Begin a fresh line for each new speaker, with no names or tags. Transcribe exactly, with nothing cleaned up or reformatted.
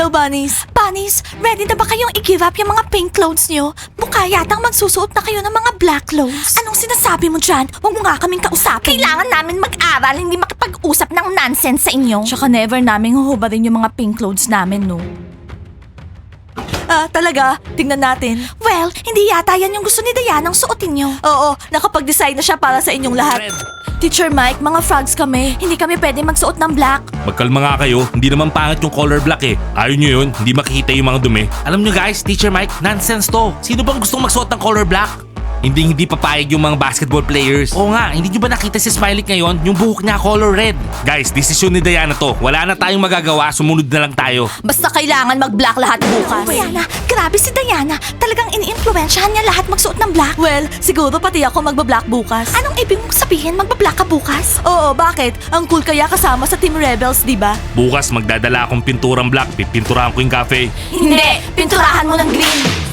Hello, bunnies. Bunnies, ready na ba kayong i-give up yung mga pink clothes nyo? Mukha yatang magsusuot na kayo ng mga black clothes. Anong sinasabi mo dyan? Huwag mo nga kaming kausapin. Kailangan namin mag-aral, hindi makipag-usap ng nonsense sa inyo. Tsaka never namin huhubarin yung mga pink clothes namin, no? Ah, talaga? Tingnan natin. Well, hindi yata yan yung gusto ni Dianang suotin nyo. Oo, nakapag-decide na siya para sa inyong lahat.
Red.
Teacher Mike, mga frogs kami. Hindi kami pwede magsuot ng black.
Magkalma nga kayo, hindi naman pangit yung color black eh. Ayaw nyo yun, hindi makikita yung mga dumi. Alam nyo guys, Teacher Mike, nonsense to. Sino bang gustong magsuot ng color black? Hindi hindi papayag yung mga basketball players. Oo nga, hindi nyo ba nakita si Smiley ngayon? Yung buhok niya color red. Guys, desisyon ni Diana to. Wala na tayong magagawa, sumunod na lang tayo.
Basta kailangan mag-black lahat bukas. Diana, grabe si Diana. Talagang ini-influensyahan niya lahat magsuot ng black. Well, siguro pati ako magba-black bukas. Anong ibig mong sabihin magba-black ka bukas? Oo, bakit? Ang cool kaya kasama sa Team Rebels, di ba?
Bukas magdadala akong pinturang black, pipinturahan ko yung cafe.
Hindi, pinturahan mo ng green.